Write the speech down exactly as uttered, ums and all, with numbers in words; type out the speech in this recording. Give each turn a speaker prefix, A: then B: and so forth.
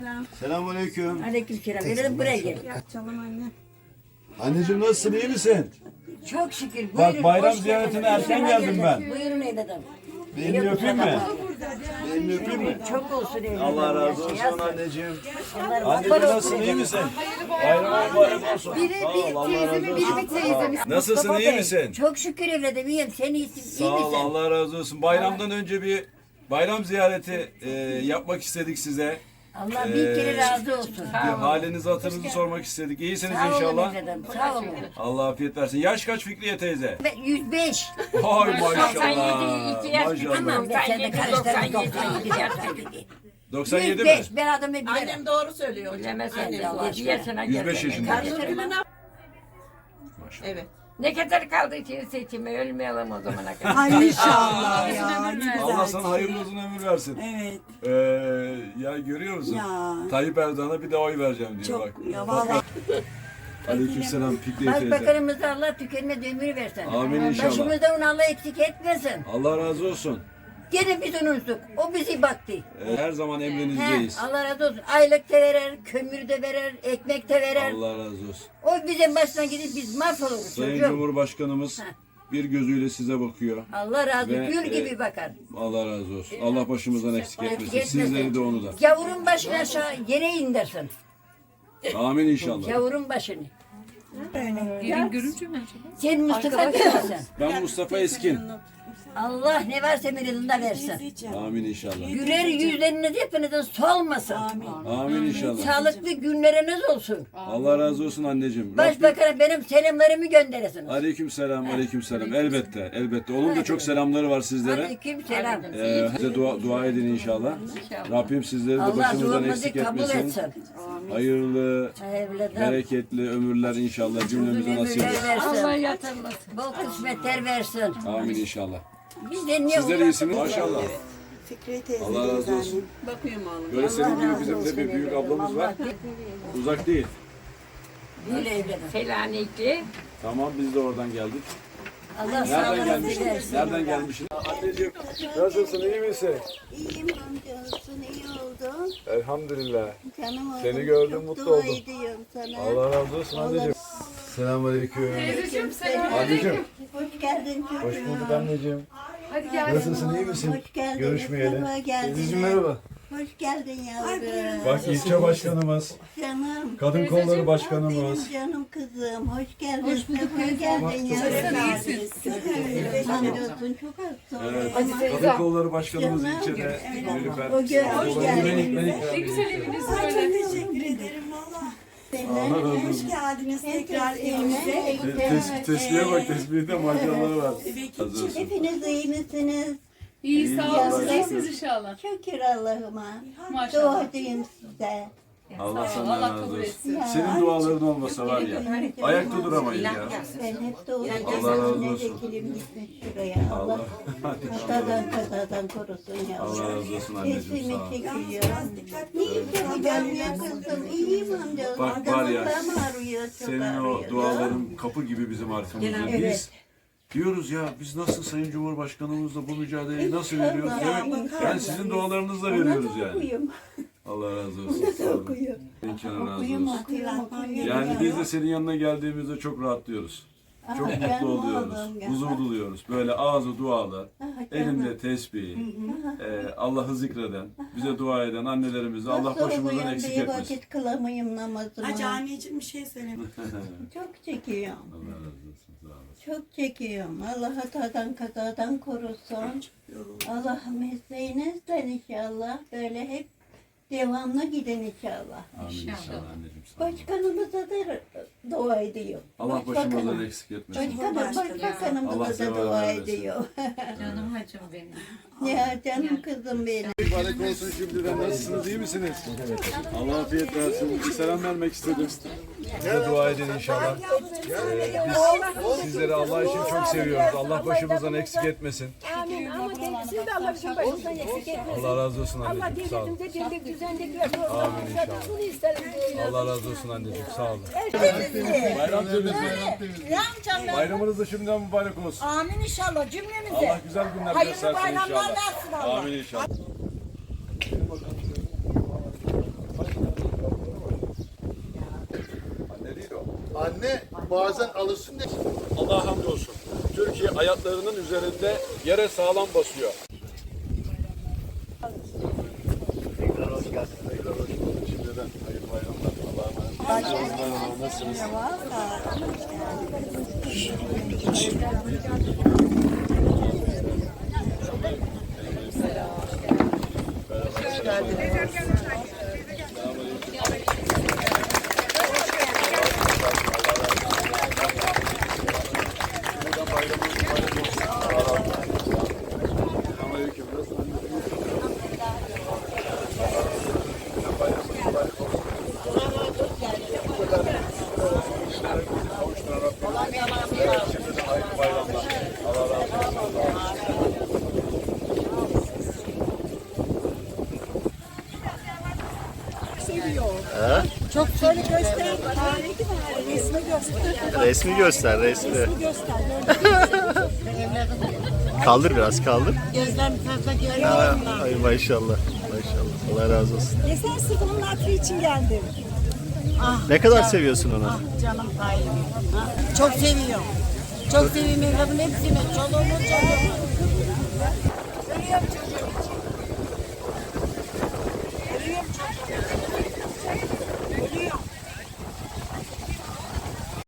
A: Selamünaleyküm.
B: Aleykümselam. Verelim buraya gel.
C: Açalım anne.
A: Anneciğim nasılsın, iyi misin?
B: Çok şükür.
A: Bak,
B: Buyurun,
A: bayram
B: hoş
A: ziyaretine
B: geldiniz.
A: erken geldim ben.
B: Buyurun evladım.
A: Bir elini öpeyim mi? Bir elini öpeyim mi?
B: Çok olsun evladım.
A: Allah razı
B: Yaşa,
A: olsun
B: yazsın.
A: anneciğim.
B: Onlar
A: Anneciğim
B: var olsun
A: nasılsın, iyi
B: evladım.
A: misin? Bayram mübarek olsun.
C: Biri
A: Sağ ol,
C: bir
A: Allah
C: teyzemi,
A: razı
C: biri
A: olsun.
C: bir teyzemi.
A: Nasılsın,
B: Mustafa
A: iyi
B: Bey,
A: misin?
B: Çok şükür evladım iyiyim. Sen iyisin, iyi
A: Sağ ol,
B: misin?
A: Allah razı olsun. Bayramdan önce bir bayram ziyareti e, yapmak istedik size.
B: Allah bin kere razı olsun.
A: Bir halinizi, hatırınızı sormak istedik. İyisiniz
B: Sağ olun
A: inşallah.
B: evladım, sağ olun.
A: Allah afiyet versin. Yaş kaç Fikriye teyze?
B: Ben yüz beş.
A: Hay maşallah.
B: Tamam
A: Maşallah.
B: ben seni karıştırdım. doksan yedi, doksan yedi.
A: doksan yedi
B: yüz
A: mi?
B: beş. Ben adamı bilirim.
D: Annem doğru söylüyor.
E: Bilemezsin
D: Annem
E: Allah.
D: doğru.
E: Diyesine
A: yüz beş
E: gel.
A: yaşında.
B: Karıştırma.
D: Evet.
E: Ne kadar kaldı için seçime ölmeyelim o zamana kadar.
C: Ay inşallah ya. Ne
A: Allah
C: güzel.
A: sana hayırlı uzun ömür versin.
C: Evet.
A: Ee, ya görüyor musun?
C: Ya.
A: Tayyip Erdoğan'a bir de oy vereceğim diyor
C: Çok
A: bak.
C: ya vallahi.
A: Aleykümselam Fikriye teyze.
B: Başbakanımıza Allah tükenmez ömür versin.
A: Amin inşallah.
B: Başımızda onu Allah eksik etmesin.
A: Allah razı olsun.
B: Gene biz unutsuk. O bizi baktı.
A: Ee, her zaman
B: He,
A: emrinizdeyiz.
B: Allah razı olsun. Aylık da verer, kömür de verer, ekmek de verer.
A: Allah razı olsun.
B: O bizim başına gidip biz mahvoluruz
A: Sayın
B: çocuğum.
A: Cumhurbaşkanımız bir gözüyle size bakıyor.
B: Allah razı
A: Ve,
B: olsun. Gül
A: e,
B: gibi bakar.
A: Allah razı olsun. Allah başımızdan eksik
B: Eksik
A: etmesin.
B: etmesin.
A: Sizleri de onu da.
B: Yavurun başını aşağı yere indirsin.
A: Amin inşallah.
B: Yavurun başını.
E: Gelin görünce mi acaba?
B: Sen Mustafa kimsin?
A: Ben Mustafa Eskin.
B: Allah ne varsa mirilinde versin.
A: Amin inşallah.
B: Güler yüzleriniz hepinizin solmasın.
A: Amin inşallah.
B: Sağlıklı günleriniz olsun.
A: Allah razı olsun anneciğim. Rabbim-
B: Başbakan'a benim selamlarımı gönderesiniz.
A: Aleyküm selam, aleyküm selam. Elbette, elbette. Onun da çok selamları var sizlere.
B: Aleyküm selam.
A: Ee, size dua, dua edin inşallah. Rabbim sizleri de
B: Allah
A: başımızdan
B: duamızı
A: eksik
B: kabul
A: etmesin.
B: etsin.
A: Hayırlı,
B: Evladım.
A: bereketli ömürler inşallah cümlemize nasip
B: Ömürler
A: etsin.
E: Allah
B: versin.
E: yatırmasın.
B: Bol kısmetler versin.
A: Amin inşallah.
B: Biz de niye
A: Sizler iyisiniz maşallah.
C: Fikri teyze.
A: Allah razı olsun.
D: Bakıyorum oğlum.
A: Böyle senin gibi bizim de bir büyük ablamız var. Uzak değil.
B: Böyle evladım.
E: Selanikli.
A: Tamam biz de oradan geldik.
B: Allah
A: Nereden
B: sağlığınızı
A: gelmişsin?
B: versin.
A: Nereden gelmişsin? Anneciğim nasılsın, iyi misin?
F: İyiyim amcasın, iyi oldun.
A: Elhamdülillah.
F: Canım oğlum.
A: Seni gördüm,
F: çok
A: mutlu
F: dua
A: oldum.
F: ediyorum sana.
A: Allah razı olsun anneciğim. Selamünaleyküm. Anneciğim.
F: Hoş geldin çocuğum.
A: Hoş bulduk anneciğim. Nasılsın, iyi misin?
F: Hoş geldin.
A: Görüşmeyeli.
F: Sefa geldin.
A: Teyzeciğim merhaba.
F: Hoş geldin yavrum.
A: Bak ilçe başkanımız,
F: Canım.
A: kadın kolları başkanımız.
F: Benim canım kızım. Hoş geldin. Hoş bulduk. geldin yavrum. Hamdolsun çok az sonra.
A: Evet.
F: Ama
A: Kadın kolları başkanımız
F: Canım.
A: ilçede. Nilüfer.
F: O gün hoş geldin.
C: Ne teşekkür ederim valla. Hoş geldiniz tekrar evimize.
A: Tes tesbihe bak, tesbihte maşallahı var. Razı olsun.
F: Hepiniz iyi misiniz?
G: İyi sağ
A: Allah
G: olun.
A: razı
G: İyisiniz inşallah.
F: Şükür Allah'ıma.
G: Maşallah.
F: Duacıyım size.
A: Allah senden
G: Allah
A: razı
G: kabul
A: olsun.
G: etsin.
A: Senin duaların olmasa var ya, ayakta duramayız ya.
F: Ben hep de
A: Allah razı
F: uğraşıyorum. Ne
A: olsun.
F: vekilim gitmiş şuraya. Allah
A: Allah.
F: kazadan kazadan korusun ya.
A: Allah razı olsun anneciğim,
F: Sesimi
A: sağ ol.
F: çekiyor. İyi yapacağım ya kızım. İyiyim amca.
A: Bak var ya,
F: Damağım ağrıyor, çok
A: senin o
F: ağrıyor.
A: duaların kapı gibi bizim arkamızda. Biz
F: Evet.
A: diyoruz ya, biz nasıl Sayın Cumhurbaşkanımızla bu mücadeleyi nasıl veriyoruz? Evet, yani sizin dualarınızla veriyoruz yani.
F: Okuyum.
A: Allah razı olsun. Sağ olun.
F: Okuyum.
A: Bin kenar razı
F: Okuyum,
A: olsun.
F: okuyum, okuyum.
A: Yani biz de senin yanına geldiğimizde çok rahatlıyoruz. Çok
F: Ah,
A: mutlu
F: canım
A: oluyoruz.
F: oğlum ya.
A: Huzur buluyoruz. Böyle ağzı dualı,
F: Ah, canım.
A: elinde tesbih, e, Allah'ı zikreden, bize dua eden annelerimizi Allah
F: Nasıl
A: başımızdan
F: oluyor
A: eksik
F: bir
A: etmesin.
F: vakit kılamayayım namazımı.
C: Hacı anneciğim bir şey söyle.
F: Çok çekiyorum.
A: Allah razı olsun. Sağ olasın.
F: Çok çekiyorum. Allah hatadan kazadan korusun. Allah mesleğinizden inşallah böyle hep devamlı gidin inşallah.
A: Amin inşallah anneciğim. Sağ olun.
F: Başkanımıza da dua ediyor.
A: Allah başımızdan eksik etmesin.
F: Başkanım, başbakanımıza
A: Allah
F: da
A: sever
F: dua
A: versin.
F: ediyor.
E: Canım hacım benim.
F: Ya canım kızım benim.
A: Mübarek olsun şimdiden. Nasılsınız? İyi misiniz? Allah afiyet versin. Bir selam vermek istedim. Size dua edin inşallah. Ee, biz sizleri Allah için çok seviyoruz. Allah başımızdan eksik etmesin.
H: Amin. Ama siz de Allah bizim başımızdan eksik etmesin.
A: Allah razı olsun
H: Allah
A: anneciğim. Sağ olun.
H: devletimize dirlik düzenlik versin.
A: Amin inşallah.
H: Bunu isterim.
A: Allah razı olsun anneciğim. Sağ olun. Bayram temizliği. Bayramınız da şimdiden mübarek olsun.
H: Amin inşallah cümlemize.
A: Allah güzel günler
H: Hayırlı
A: göstersin
H: bayramlar
A: inşallah.
H: versin Allah.
A: Amin inşallah.
I: Anne bazen alışsın diye.
A: Allah'a hamdolsun. Türkiye ayaklarının üzerinde yere sağlam basıyor. Tekrar hoş geldiniz. Tekrar hoş bulduk. Şimdiden hayırlı bayramlar. Allah'a emanet. Nasılsınız?
C: Çok şöyle göster. Tarihi var. Resmi göster.
J: Resmi göster, resmi.
C: Göster.
J: Kaldır biraz, kaldır.
C: Gözlerim fazla
J: Ha,
C: görüyorum.
J: ay maşallah, maşallah. Allah razı olsun.
C: Ya sen sırf onun hatırı için geldim. Ah,
J: Ne kadar seviyorsun onu?
C: ah canım payım. Ah, çok seviyorum. Çok seviyorum evladımın hepsini. Çoluğumu, çocuğumu.